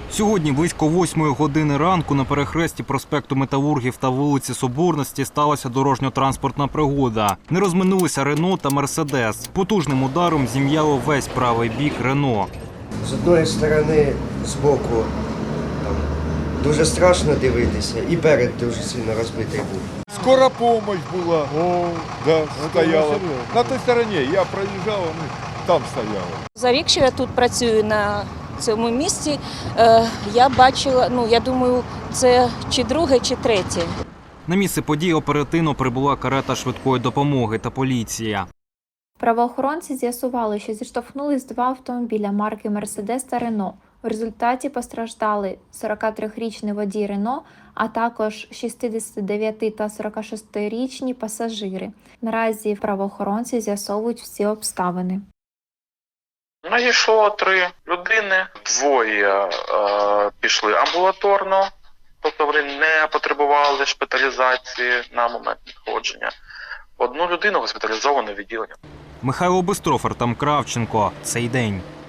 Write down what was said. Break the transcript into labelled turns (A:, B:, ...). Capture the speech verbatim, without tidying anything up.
A: Сьогодні близько восьмої години ранку на перехресті проспекту Металургів та вулиці Соборності сталася дорожньо-транспортна пригода. Не розминулися Рено та Мерседес. Потужним ударом зім'яло весь правий бік Рено.
B: З одної сторони, з боку, там, дуже страшно дивитися, і перед дуже сильно розбитий був.
C: Скора помощь була, О, да, стояла. На той стороні я проїжджав, вони там стояли.
D: За рік, що я тут працюю на цьому місці, е, я бачила, ну, я думаю, це чи друге, чи третє.
A: На місце події оперативно прибула карета швидкої допомоги та поліція.
E: Правоохоронці з'ясували, що зіштовхнулись два автомобіля марки «Мерседес» та «Рено». В результаті постраждали сорокатрирічний водій «Рено», а також шістдесятидев'яти та сорокашестирічні пасажири. Наразі правоохоронці з'ясовують всі обставини.
F: Надійшло три людини, двоє е, пішли амбулаторно, тобто вони не потребували шпиталізації на момент надходження. Одну людину госпіталізовано в відділення.
A: Михайло Бистрофер, Артем Кравченко. Цей день.